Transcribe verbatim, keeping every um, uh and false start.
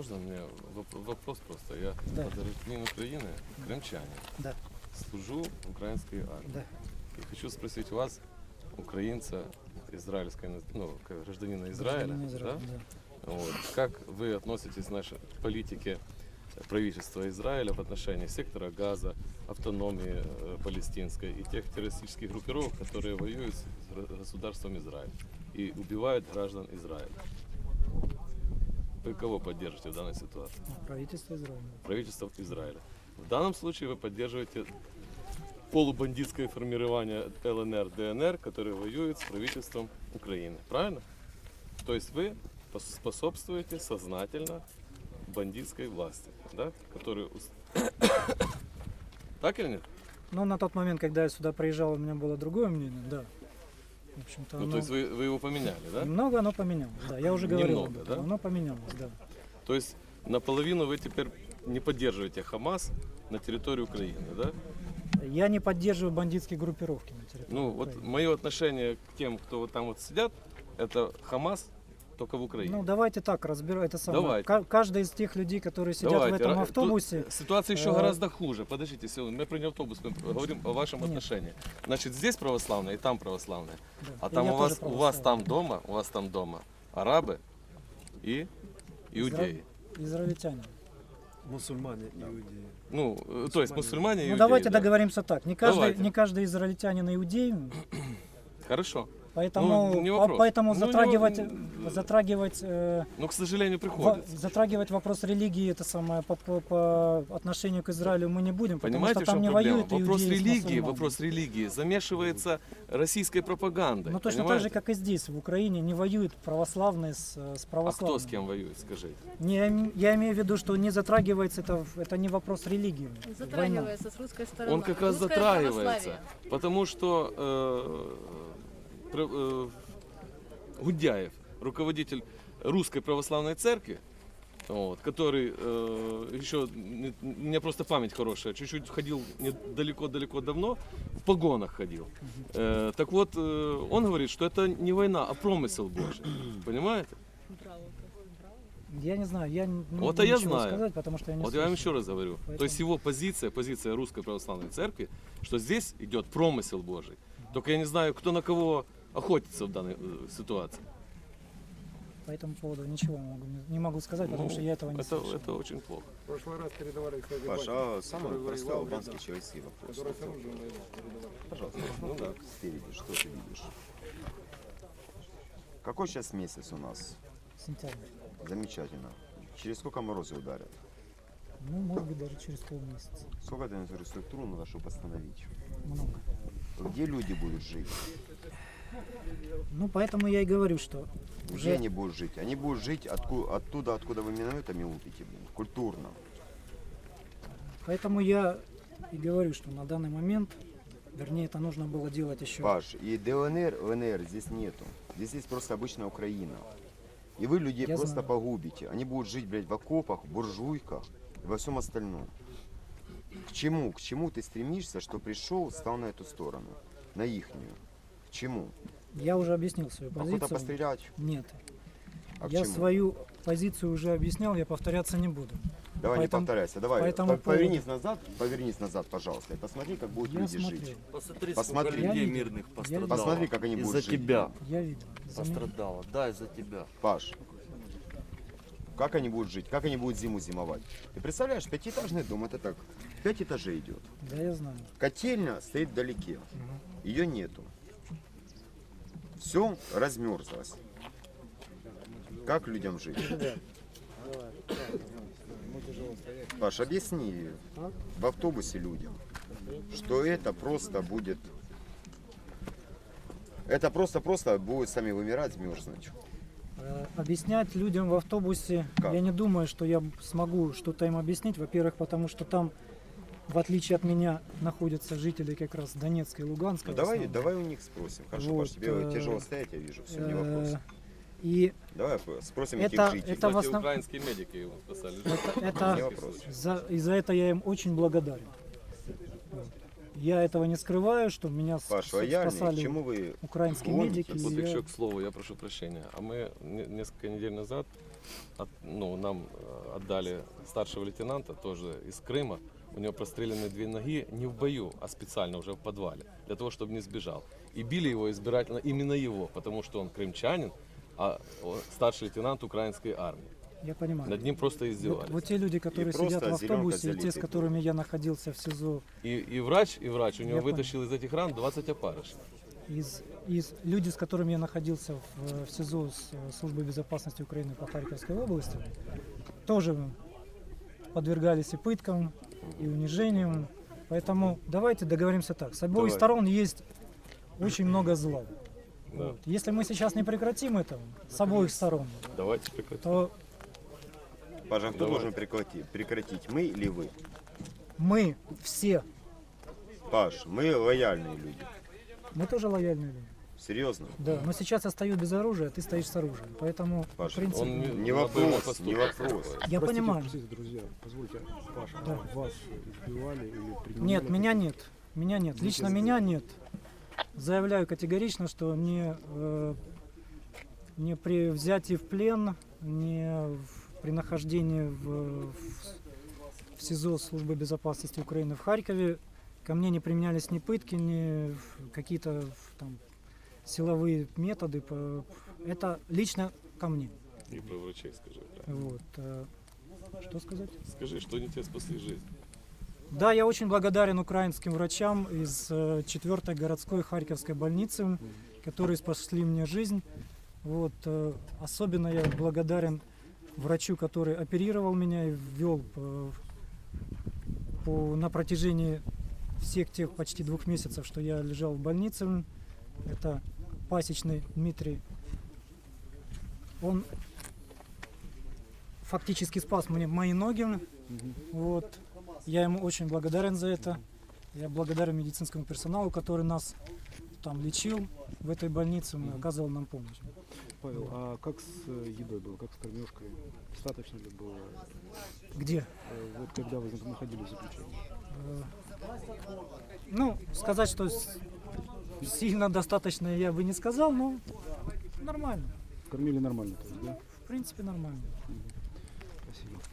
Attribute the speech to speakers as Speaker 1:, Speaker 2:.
Speaker 1: можно мне воп- вопрос просто? Я
Speaker 2: Да.
Speaker 1: гражданин Украины, крымчанин.
Speaker 2: Да.
Speaker 1: Служу в украинской армии.
Speaker 2: Да.
Speaker 1: И хочу спросить вас, украинца, израильской, ну, как гражданина Израиля,
Speaker 2: Гражданин Израиля,
Speaker 1: да?
Speaker 2: да.
Speaker 1: Вот. Как вы относитесь к нашей политике правительства Израиля в отношении сектора Газа, автономии э, палестинской и тех террористических группировок, которые воюют с гра- государством Израиль и убивают граждан Израиля? Вы кого поддержите в данной ситуации?
Speaker 2: Правительство Израиля.
Speaker 1: Правительство Израиля. В данном случае вы поддерживаете полубандитское формирование ЛНР, ДНР, которые воюют с правительством Украины. Правильно? То есть вы пос- способствуете сознательно бандитской власти, да? Которую... ус- Так или нет?
Speaker 2: Но на тот момент, когда я сюда приезжал, у меня было другое мнение, да. В общем-то,
Speaker 1: Ну,
Speaker 2: оно-
Speaker 1: то есть вы, вы его поменяли, да?
Speaker 2: немного оно поменялось, да. Я уже говорил
Speaker 1: Немного,
Speaker 2: об этом.
Speaker 1: да?
Speaker 2: Оно поменялось, да.
Speaker 1: То есть наполовину вы теперь не поддерживаете Хамас на территории Украины, да?
Speaker 2: Я не поддерживаю бандитские группировки на территории
Speaker 1: Ну, вот
Speaker 2: Украины.
Speaker 1: мое отношение к тем, кто вот там вот сидят, это Хамас только в Украине.
Speaker 2: Ну, давайте так разбирать. Это самое.
Speaker 1: Давайте.
Speaker 2: Ка- Каждый из тех людей, которые сидят
Speaker 1: Давайте.
Speaker 2: в этом
Speaker 1: Ра-
Speaker 2: автобусе,
Speaker 1: тут ситуация еще
Speaker 2: э,
Speaker 1: гораздо хуже. Подождите, секунду, мы про не автобус, мы говорим о вашем
Speaker 2: Нет.
Speaker 1: отношении. Значит, здесь православные и там православные.
Speaker 2: да,
Speaker 1: А
Speaker 2: и
Speaker 1: там
Speaker 2: я
Speaker 1: у
Speaker 2: тоже
Speaker 1: вас, у вас
Speaker 2: православный.
Speaker 1: там дома, у вас там дома арабы и иудеи.
Speaker 2: Израильтяне.
Speaker 3: Мусульмане, иудеи.
Speaker 1: Ну, э, то есть мусульмане и
Speaker 2: Ну,
Speaker 1: иудеи.
Speaker 2: давайте
Speaker 1: да.
Speaker 2: договоримся так. Не каждый,
Speaker 1: Давайте.
Speaker 2: не каждый израильтянин иудей,
Speaker 1: Хорошо.
Speaker 2: поэтому,
Speaker 1: Ну, не
Speaker 2: по-
Speaker 1: вопрос.
Speaker 2: поэтому
Speaker 1: Ну, не
Speaker 2: затрагивать,
Speaker 1: во-
Speaker 2: затрагивать, э,
Speaker 1: Но, к сожалению,
Speaker 2: во-
Speaker 1: приходится.
Speaker 2: затрагивать вопрос религии это самое по, по- по отношению к Израилю мы не будем, потому
Speaker 1: Понимаете,
Speaker 2: что
Speaker 1: в
Speaker 2: там
Speaker 1: чем
Speaker 2: не
Speaker 1: проблема?
Speaker 2: воюют
Speaker 1: Вопрос
Speaker 2: иудеи с
Speaker 1: религии,
Speaker 2: мусульманами.
Speaker 1: вопрос религии замешивается российской пропагандой.
Speaker 2: Ну точно так
Speaker 1: понимаете?
Speaker 2: же, как и здесь, в Украине, не воюют православные с, с
Speaker 1: А
Speaker 2: православными.
Speaker 1: кто с кем воюет, скажите?
Speaker 2: Не, я им- я имею в виду, что не затрагивается это, в- это не вопрос религии. Война.
Speaker 4: Затрагивается с русской стороны.
Speaker 1: Он как раз
Speaker 4: Русское
Speaker 1: затрагивается,
Speaker 4: православие.
Speaker 1: потому что э, пр- э, Гудяев, руководитель Русской Православной Церкви, вот, который э, еще, не- у меня просто память хорошая, чуть-чуть ходил не- далеко-далеко давно, в погонах ходил. Э, так вот, э, он говорит, что это не война, а промысел Божий. Понимаете?
Speaker 2: Я не знаю, я не
Speaker 1: Вот,
Speaker 2: могу
Speaker 1: а я
Speaker 2: ничего
Speaker 1: знаю.
Speaker 2: сказать, потому что я не
Speaker 1: Вот я вам
Speaker 2: слышал.
Speaker 1: еще раз говорю. То
Speaker 2: Поэтому-
Speaker 1: есть его позиция, позиция Русской Православной Церкви, что здесь идет промысел Божий. Только я не знаю, кто на кого охотится в данной э, ситуации.
Speaker 2: По этому поводу ничего могу, не, не могу сказать, потому
Speaker 1: Ну,
Speaker 2: что я этого не
Speaker 1: это,
Speaker 2: слышал.
Speaker 1: это очень плохо.
Speaker 3: В прошлый раз передавали, кстати,
Speaker 5: Паша,
Speaker 3: батюшке,
Speaker 5: а самый
Speaker 3: который
Speaker 5: простой
Speaker 3: воевал в
Speaker 5: албанский
Speaker 3: рядах,
Speaker 5: человеческий вопрос.
Speaker 3: который с оружием воевал, передавали.
Speaker 5: Пожалуйста, ну да, спереди, что ты видишь? Какой сейчас месяц у нас?
Speaker 2: Сентябрь.
Speaker 5: Замечательно. Через сколько морозы ударят?
Speaker 2: Ну, может быть, даже через полмесяца.
Speaker 5: Сколько это инфраструктуру надо, чтобы остановить?
Speaker 2: Много.
Speaker 5: Где люди будут жить?
Speaker 2: Ну, поэтому я и говорю, что
Speaker 5: Где
Speaker 2: уже
Speaker 5: они будут жить? Они будут жить отку- оттуда, откуда вы минометами лупите, блин, культурно.
Speaker 2: Поэтому я и говорю, что на данный момент, вернее, это нужно было делать еще.
Speaker 5: Паш, и ДНР, ЛНР здесь нету. Здесь есть просто обычная Украина. И вы людей
Speaker 2: Я
Speaker 5: просто
Speaker 2: знаю.
Speaker 5: погубите. Они будут жить, блядь, в окопах, в буржуйках и во всем остальном. К чему? К чему ты стремишься, что пришел, стал на эту сторону? На ихнюю. К чему?
Speaker 2: Я уже объяснил свою
Speaker 5: Охота
Speaker 2: позицию.
Speaker 5: пострелять?
Speaker 2: Нет.
Speaker 5: А к
Speaker 2: я
Speaker 5: чему?
Speaker 2: свою позицию уже объяснял, я повторяться не буду.
Speaker 5: Давай
Speaker 2: поэтому-
Speaker 5: не повторяйся. Давай,
Speaker 2: по этому
Speaker 5: по- повернись назад, повернись назад, пожалуйста. И посмотри, как будут
Speaker 2: Я
Speaker 5: люди
Speaker 2: смотрел.
Speaker 5: жить.
Speaker 6: Посмотри,
Speaker 5: Посмотри.
Speaker 6: сколько людей
Speaker 2: Я видел.
Speaker 6: мирных
Speaker 2: Я
Speaker 6: пострадало.
Speaker 2: видел.
Speaker 5: Посмотри, как они будут
Speaker 6: Из-за
Speaker 5: жить.
Speaker 6: тебя
Speaker 2: Я видел. За меня-
Speaker 6: пострадало. Да, из-за тебя.
Speaker 5: Паш, как они будут жить? Как они будут зиму зимовать? Ты представляешь, пятиэтажный дом, это так, пять этажей идет.
Speaker 2: Да, я знаю.
Speaker 5: Котельня стоит вдалеке, ее нету. Все размерзлось. Как людям жить? Паш, объясни в автобусе людям, что это просто будет... Это просто-просто будет сами вымирать, мерзнуть.
Speaker 2: Э, Объяснять людям в автобусе,
Speaker 5: Как?
Speaker 2: я не думаю, что я смогу что-то им объяснить. Во-первых, потому что там, в отличие от меня, находятся жители как раз Донецка и Луганска.
Speaker 5: Ну,
Speaker 2: в
Speaker 5: давай,
Speaker 2: основном.
Speaker 5: давай у них спросим. Хорошо,
Speaker 2: Вот,
Speaker 5: Паш, тебе
Speaker 2: э,
Speaker 5: тяжело стоять, я вижу, все, не
Speaker 2: Э,
Speaker 5: вопрос.
Speaker 2: И
Speaker 5: Давай спросим
Speaker 2: это-
Speaker 5: этих жителей.
Speaker 2: это в
Speaker 1: Кстати,
Speaker 2: основ-
Speaker 1: украинские медики его спасали.
Speaker 2: это, это-
Speaker 5: Не вопрос.
Speaker 2: за, и за это я им очень благодарен. Вот. Я этого не скрываю, что меня с-
Speaker 5: Паш,
Speaker 2: с-
Speaker 5: военные, к
Speaker 2: спасали
Speaker 5: чему вы
Speaker 2: украинские
Speaker 5: гоните?
Speaker 2: медики.
Speaker 1: Вот
Speaker 2: и я-
Speaker 1: еще к слову, я прошу прощения. А мы не- несколько недель назад от- ну, нам э, отдали старшего лейтенанта, тоже из Крыма. У него прострелены две ноги не в бою, а специально уже в подвале, для того, чтобы не сбежал. И били его избирательно именно его, потому что он крымчанин, а он старший лейтенант украинской армии.
Speaker 2: Я понимаю.
Speaker 1: Над ним просто
Speaker 2: Вот,
Speaker 1: издевались.
Speaker 2: вот те люди, которые
Speaker 5: просто
Speaker 2: сидят в
Speaker 5: зелёнка
Speaker 2: автобусе, и те, с
Speaker 5: залитый
Speaker 2: которыми я находился в СИЗО,
Speaker 1: И, и врач, и врач у него
Speaker 2: Я понял.
Speaker 1: вытащил из этих ран двадцать опарышей.
Speaker 2: из, из люди, с которыми я находился в, в СИЗО с э, службой безопасности Украины по Харьковской области, тоже подвергались и пыткам, и унижениям. Поэтому давайте договоримся так. С обоих
Speaker 1: Давай.
Speaker 2: сторон есть очень много зла.
Speaker 1: Да.
Speaker 2: Вот. Если мы сейчас не прекратим это с обоих сторон,
Speaker 1: Давайте прекратим.
Speaker 2: то
Speaker 5: Паша, а кто
Speaker 1: Давай.
Speaker 5: должен прекратить? Прекратить, мы или вы?
Speaker 2: мы все,
Speaker 5: Паш, мы лояльные люди.
Speaker 2: мы тоже лояльные люди.
Speaker 5: Серьезно?
Speaker 2: Да, но сейчас я стою без оружия, а ты стоишь с оружием. Поэтому, в
Speaker 5: Паша,
Speaker 2: принципе,
Speaker 1: Он
Speaker 5: Не
Speaker 1: на боевом
Speaker 5: вопрос,
Speaker 1: посту
Speaker 5: не
Speaker 1: просто
Speaker 5: вопрос.
Speaker 1: находится.
Speaker 2: я
Speaker 3: Простите,
Speaker 2: понимаю.
Speaker 3: простите, друзья, позвольте, Паша,
Speaker 2: Да.
Speaker 3: вас избивали или принимали?
Speaker 2: Нет, меня нет. Меня нет.
Speaker 3: Ну,
Speaker 2: Лично
Speaker 3: если-
Speaker 2: меня нет. Заявляю категорично, что не, э, не при взятии в плен, не в- при нахождении в, в, в СИЗО службы безопасности Украины в Харькове ко мне не применялись ни пытки, ни какие-то там силовые методы. по- Это лично ко мне.
Speaker 1: И про врачей скажи. да.
Speaker 2: Вот. э, Что сказать?
Speaker 1: Скажи, что они тебе спасли жизнь.
Speaker 2: Да, я очень благодарен украинским врачам из четвертой городской Харьковской больницы, которые спасли мне жизнь. Вот, э, особенно я благодарен врачу, который оперировал меня и ввел по, по- на протяжении всех тех почти двух месяцев, что я лежал в больнице. Это Пасечный Дмитрий. Он фактически спас мне мои ноги. Вот. Я ему очень благодарен за это. Я благодарен медицинскому персоналу, который нас там лечил в этой больнице, он оказывал нам помощь.
Speaker 3: Павел, а как с э, едой было, как с кормежкой? Достаточно ли было,
Speaker 2: Где?
Speaker 3: э, вот когда вы находились в заключении?
Speaker 2: Э, Ну, сказать, что с- сильно достаточно я бы не сказал, но нормально.
Speaker 3: Кормили нормально, то есть, да?
Speaker 2: В принципе, нормально.
Speaker 3: Спасибо.